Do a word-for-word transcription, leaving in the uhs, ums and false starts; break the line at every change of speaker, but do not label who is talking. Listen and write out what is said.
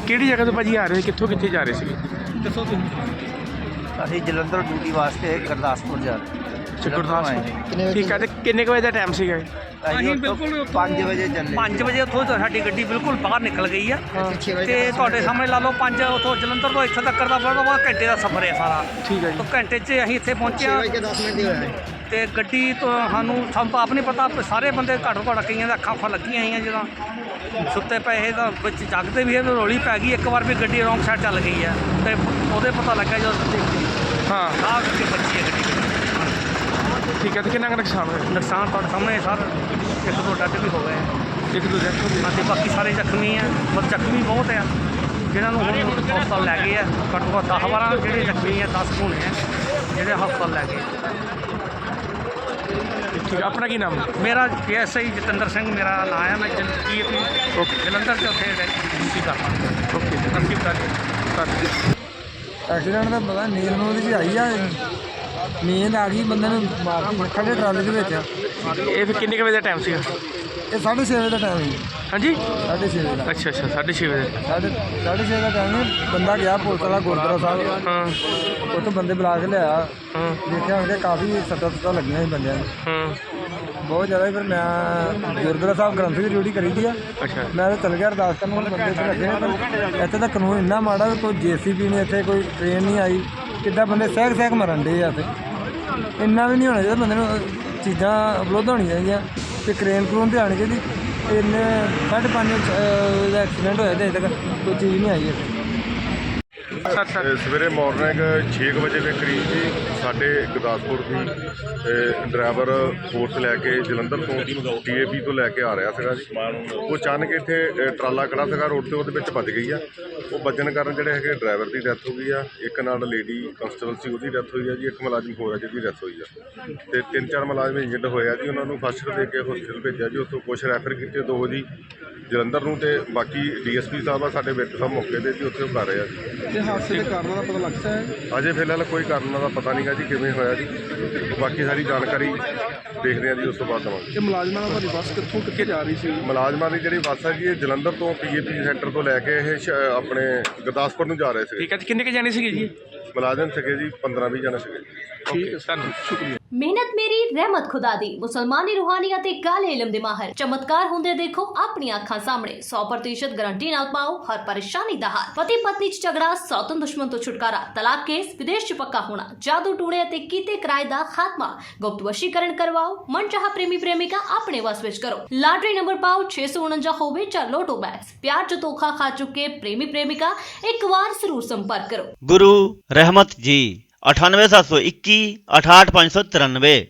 ਕਿਹੜੀ ਜਗ੍ਹਾ ਤੋਂ ਭਾਜੀ ਆ ਰਹੇ ਕਿੱਥੋਂ ਕਿੱਥੇ ਜਾ ਰਹੇ ਸੀਗੇ?
ਦੱਸੋ ਤੁਸੀਂ।
ਅਸੀਂ ਜਲੰਧਰ ਡਿਊਟੀ ਵਾਸਤੇ ਗੁਰਦਾਸਪੁਰ ਜਾ ਰਹੇ
ਗੁਰਦਾਸਪੁਰ। ਠੀਕ ਹੈ, ਤੇ ਕਿੰਨੇ ਕੁ ਵਜੇ ਦਾ ਟਾਈਮ ਸੀਗਾ?
ਅਸੀਂ ਬਿਲਕੁਲ
ਪੰਜ ਵਜੇ ਚੱਲੇ।
ਪੰਜ ਵਜੇ ਉੱਥੋਂ ਸਾਡੀ ਗੱਡੀ ਬਿਲਕੁਲ ਬਾਹਰ ਨਿਕਲ ਗਈ ਆ ਤੇ ਤੁਹਾਡੇ ਸਾਹਮਣੇ ਲਾ ਲਓ ਪੰਜ ਉੱਥੋਂ ਜਲੰਧਰ ਤੋਂ ਇੱਥੋਂ ਤੱਕ ਦਾ ਬੜਾ ਘੰਟੇ ਦਾ ਸਫ਼ਰ ਹੈ ਸਾਰਾ।
ਠੀਕ ਹੈ ਜੀ।
ਤਾਂ ਘੰਟੇ 'ਚ ਅਸੀਂ ਇੱਥੇ ਪਹੁੰਚੇ ਹਾਂ ਤੇ ਗੱਡੀ ਤੋਂ ਸਾਨੂੰ ਸਾਨੂੰ ਤਾਂ ਆਪ ਨਹੀਂ ਪਤਾ, ਸਾਰੇ ਬੰਦੇ ਘੱਟੋ ਘੱਟ ਕਈਆਂ ਦੇ ਅੱਖਾਂ ਅੱਖਾਂ ਲੱਗੀਆਂ ਹੋਈਆਂ ਜਦੋਂ ਸੁੱਤੇ ਪਏ ਤਾਂ ਵਿੱਚ ਜਾਗਦੇ ਵੀ ਇਹ ਰੌਲੀ ਪੈ ਗਈ ਇੱਕ ਵਾਰ ਵੀ ਗੱਡੀ ਰੌਂਗ ਸਾਈਡ ਚੱਲ ਗਈ ਹੈ ਤੇ ਉਹਦੇ ਪਤਾ ਲੱਗਾ ਜਦੋਂ ਦੇਖੀ
ਹਾਂ
ਆਹ ਕਰਕੇ ਬੱਚੀ ਹੈ ਗੱਡੀ।
ਠੀਕ ਹੈ, ਤੇ ਕਿੰਨਾ ਕੁ ਨੁਕਸਾਨ ਹੋਇਆ?
ਨੁਕਸਾਨ ਤੁਹਾਡੇ ਸਾਹਮਣੇ ਸਰ ਇੱਕ ਦੋ ਡੱਡ ਵੀ ਹੋ ਗਏ ਆ,
ਇੱਕ ਦੋ ਡੈਥ ਹੋ ਗਈ।
ਅਤੇ ਬਾਕੀ ਸਾਰੇ ਜ਼ਖਮੀ ਆ, ਪਰ ਜ਼ਖਮੀ ਬਹੁਤ ਆ ਜਿਹਨਾਂ ਨੂੰ ਹੁਣ ਹਸਪਤਾਲ ਲੈ ਗਏ ਆ। ਘੱਟੋ ਘੱਟ ਦਸ ਬਾਰਾਂ ਜਿਹੜੇ ਜ਼ਖਮੀ ਆ, ਦਸ ਹੋਣੇ ਆ ਜਿਹੜੇ ਹਸਪਤਾਲ ਲੈ ਗਏ।
ਠੀਕ ਹੈ, ਆਪਣਾ ਕੀ ਨਾਮ?
ਮੇਰਾ P S I Jatinder Singh ਮੇਰਾ ਨਾਂ ਹੈ। ਮੈਂ ਜੀ ਪੀ ਜਲੰਧਰ 'ਚ ਉੱਥੇ ਡਿਊਟੀ ਕਰਦਾ।
ਓਕੇ
ਅਸੀਂ ਬਤਾ
ਐਕਸੀਡੈਂਟ ਦਾ ਪਤਾ ਨੀਂਦ ਨੂੰ ਉਹਦੀ 'ਚ ਆਈ ਆ, ਨੀਂਦ ਆ ਗਈ ਬੰਦੇ ਨੂੰ ਮਾਰਦੀ ਖੜੇ ਟਰਾਲੇ ਦੇ ਵਿੱਚ।
ਇਹ ਫਿਰ ਕਿੰਨੇ ਕੁ ਵਜੇ ਦਾ ਟਾਈਮ ਸੀਗਾ?
ਇਹ ਸਾਢੇ ਛੇ ਵਜੇ ਦਾ ਟਾਈਮ ਹੈ।
ਹਾਂਜੀ,
ਸਾਢੇ ਛੇ ਵਜੇ ਦਾ
ਅੱਛਾ ਅੱਛਾ, ਸਾਢੇ ਛੇ ਵਜੇ।
ਸਾਢੇ ਸਾਢੇ ਛੇ ਦਾ ਟਾਈਮ ਹੈ। ਬੰਦਾ ਗਿਆ ਪੁਲਿਸ ਵਾਲਾ ਗੁਰਦੁਆਰਾ ਸਾਹਿਬ,
ਹਾਂ
ਉੱਥੋਂ ਬੰਦੇ ਬੁਲਾ ਕੇ ਲਿਆ।
ਹਾਂ
ਦੇਖਿਆ ਹੋਣਗੇ ਕਾਫੀ ਸੱਟਾਂ ਸੁੱਟਾਂ ਲੱਗੀਆਂ ਸੀ ਬੰਦਿਆਂ ਨੂੰ
ਹਾਂ।
ਬਹੁਤ ਜ਼ਿਆਦਾ। ਫਿਰ ਮੈਂ ਗੁਰਦੁਆਰਾ ਸਾਹਿਬ ਗ੍ਰੰਥ ਦੀ ਡਿਊਟੀ ਕਰੀ ਦੀ ਆ।
ਅੱਛਾ
ਮੈਂ ਤਾਂ ਚੱਲ ਗਿਆ ਅਰਦਾਸ ਕਰਨ, ਹੁਣ ਬੰਦੇ ਇੱਥੇ ਲੱਗੇ ਨੇ। ਪਰ ਇੱਥੇ ਦਾ ਕਾਨੂੰਨ ਇੰਨਾ ਮਾੜਾ ਵੀ ਕੋਈ ਜੇ ਸੀ ਬੀ ਨਹੀਂ ਇੱਥੇ, ਕੋਈ ਟ੍ਰੇਨ ਨਹੀਂ ਆਈ। ਕਿੱਦਾਂ ਬੰਦੇ ਸਹਿਕ ਸਹਿਕ ਮਰਨ ਡੇ ਆ ਇੱਥੇ। ਇੰਨਾ ਵੀ ਨਹੀਂ ਹੋਣਾ ਚਾਹੀਦਾ ਬੰਦੇ ਨੂੰ, ਚੀਜ਼ਾਂ ਉਪਲਬਧ ਹੋਣੀਆਂ ਚਾਹੀਦੀਆਂ ਅਤੇ ਕਰੇਨ ਕਰੂਨ ਤੇ ਆਉਣੀ ਚਾਹੀਦੀ। ਇੰਨੇ ਸਾਢੇ ਪੰਜ ਦਾ ਐਕਸੀਡੈਂਟ ਹੋਇਆ ਅਤੇ ਅਜੇ ਤੱਕ ਕੋਈ ਚੀਜ਼ ਨਹੀਂ ਆਈ ਇੱਥੇ।
ਸਰ ਸਰ
ਸਵੇਰੇ ਮਾਰਨਿੰਗ ਛੇ ਕੁ ਵਜੇ ਦੇ ਕਰੀਬ ਜੀ ਸਾਡੇ ਗੁਰਦਾਸਪੁਰ ਦੀ ਡਰਾਈਵਰ ਫੋਰਸ ਲੈ ਕੇ ਜਲੰਧਰ ਤੋਂ ਡੀ ਏ ਪੀ ਤੋਂ ਲੈ ਕੇ ਆ ਰਿਹਾ ਸੀਗਾ ਜੀ। ਉਹ ਅਚਾਨਕ ਇੱਥੇ ਅ, ਟਰਾਲਾ ਖੜਾ ਸੀਗਾ ਰੋਡ 'ਤੇ, ਉਹਦੇ ਵਿੱਚ ਵੱਜ ਗਈ ਆ। ਉਹ ਵੱਜਣ ਕਾਰਨ ਜਿਹੜੇ ਹੈਗੇ ਡਰਾਈਵਰ ਦੀ ਡੈਥ ਹੋ ਗਈ ਆ। ਇੱਕ ਨਾਲ ਲੇਡੀ ਕਨਸਟੇਬਲ ਸੀ, ਉਹਦੀ ਡੈਥ ਹੋਈ ਆ ਜੀ। ਇੱਕ ਮੁਲਾਜ਼ਮ ਹੋਰ ਆ ਜਿਹਦੀ ਡੈਥ ਹੋਈ ਆ ਅਤੇ ਤਿੰਨ ਚਾਰ ਮੁਲਾਜ਼ਮ ਇੰਜਰਡ ਹੋਏ ਆ ਜੀ। ਉਹਨਾਂ ਨੂੰ ਫਸਟ ਏਡ ਦੇ ਕੇ ਹੋਸਪਿਟਲ ਭੇਜਿਆ ਜੀ। ਉੱਥੋਂ ਕੁਛ ਰੈਫਰ ਕੀਤੇ, ਦੋ ਜੀ ਜਲੰਧਰ ਨੂੰ, ਅਤੇ ਬਾਕੀ ਡੀ ਐਸ ਪੀ ਸਾਹਿਬ ਆ ਸਾਡੇ ਵਿੱਚ ਸਾਹਿਬ ਮੌਕੇ 'ਤੇ ਜੀ, ਉੱਥੇ ਉਹ ਕਰ ਰਹੇ ਆ ਜੀ।
ਹਾਦਸੇ ਦੇ ਕਾਰਨਾਂ ਦਾ ਪਤਾ ਲੱਗਦਾ ਹੈ?
ਅਜੇ ਫਿਲਹਾਲ ਕੋਈ ਕਾਰਨ ਦਾ ਪਤਾ ਨਹੀਂ ਗਾ ਜੀ ਕਿਵੇਂ ਹੋਇਆ ਜੀ। ਬਾਕੀ ਸਾਰੀ ਜਾਣਕਾਰੀ ਦੇਖਦੇ ਹਾਂ ਜੀ, ਉਸ ਤੋਂ ਬਾਅਦ ਦੇਵਾਂਗੇ।
ਇਹ ਮੁਲਾਜ਼ਮਾਂ ਦਾ ਭਾਜੀ ਬੱਸ ਕਿੱਥੋਂ ਕਿੱਥੇ ਜਾ ਰਹੀ ਸੀ?
ਮੁਲਾਜ਼ਮਾਂ ਦੀ ਜਿਹੜੀ ਬੱਸ ਹੈ ਜੀ, ਇਹ ਜਲੰਧਰ ਤੋਂ ਪੀ ਏ ਪੀ ਸੈਂਟਰ ਤੋਂ ਲੈ ਕੇ ਇਹ ਸ਼- ਆਪਣੇ ਗੁਰਦਾਸਪੁਰ ਨੂੰ ਜਾ ਰਹੇ ਸੀਗੇ।
ਠੀਕ ਹੈ, ਤੇ ਕਿੰਨੇ ਕੁ ਜਾਣੇ ਸੀਗੇ ਜੀ?
ਮੁਲਾਜ਼ਮ ਸੀਗੇ ਜੀ ਪੰਦਰਾਂ ਵੀਹ ਜਣੇ ਸੀਗੇ।
ਠੀਕ ਹੈ, ਧੰਨਵਾਦ, ਸ਼ੁਕਰੀਆ।
ਮਿਹਨਤ ਮੇਰੀ ਰਹਿਮਤ ਖੁਦਾ ਦੀ। ਮੁਸਲਮਾਨੀ ਰੂਹਾਨੀ ਅਤੇ ਕਾਲੇ ਇਲਮ ਦੇ ਮਾਹਰ ਚਮਤਕਾਰ ਹੁੰਦੇ ਦੇਖੋ ਆਪਣੀਆਂ ਅੱਖਾਂ ਸਾਹਮਣੇ। ਸੌ ਪ੍ਰਤੀਸ਼ਤ ਗਾਰੰਟੀ ਨਾਲ ਪਾਓ ਹਰ ਪਰੇਸ਼ਾਨੀ ਦਾ ਹੱਲ। ਪਤੀ ਪਤਨੀ ਚ ਝਗੜਾ, ਸੌਤਨ ਦੁਸ਼ਮਣ ਤੋਂ ਛੁਟਕਾਰਾ, ਤਲਾਕ ਕੇਸ, ਵਿਦੇਸ਼ ਚ ਪੱਕਾ ਹੋਣਾ, ਜਾਦੂ ਟੂਣੇ ਅਤੇ ਕੀਤੇ ਕਿਰਾਏ ਦਾ ਖਾਤਮਾ, ਗੁਪਤ ਵਸ਼ੀਕਰਨ ਕਰਵਾਓ, ਮਨਚਾਹਾ ਪ੍ਰੇਮੀ ਪ੍ਰੇਮਿਕਾ ਆਪਣੇ ਵਸ ਵਿੱਚ ਕਰੋ। ਲਾਟਰੀ ਨੰਬਰ ਪਾਓ ਛੇ ਸੌ ਉਣੰਜਾ ਹੋਵੇ ਜਾਂ ਲੋਟੋ ਬੈਟਸ। ਪਿਆਰ ਚ ਧੋਖਾ ਖਾ ਚੁੱਕੇ ਪ੍ਰੇਮੀ ਪ੍ਰੇਮਿਕਾ ਇੱਕ ਵਾਰ ਜ਼ਰੂਰ ਸੰਪਰਕ ਕਰੋ।
गुरु रहमत जी अठानवे सात सौ इक्की अठाठ पाँच सौ तिरानवे।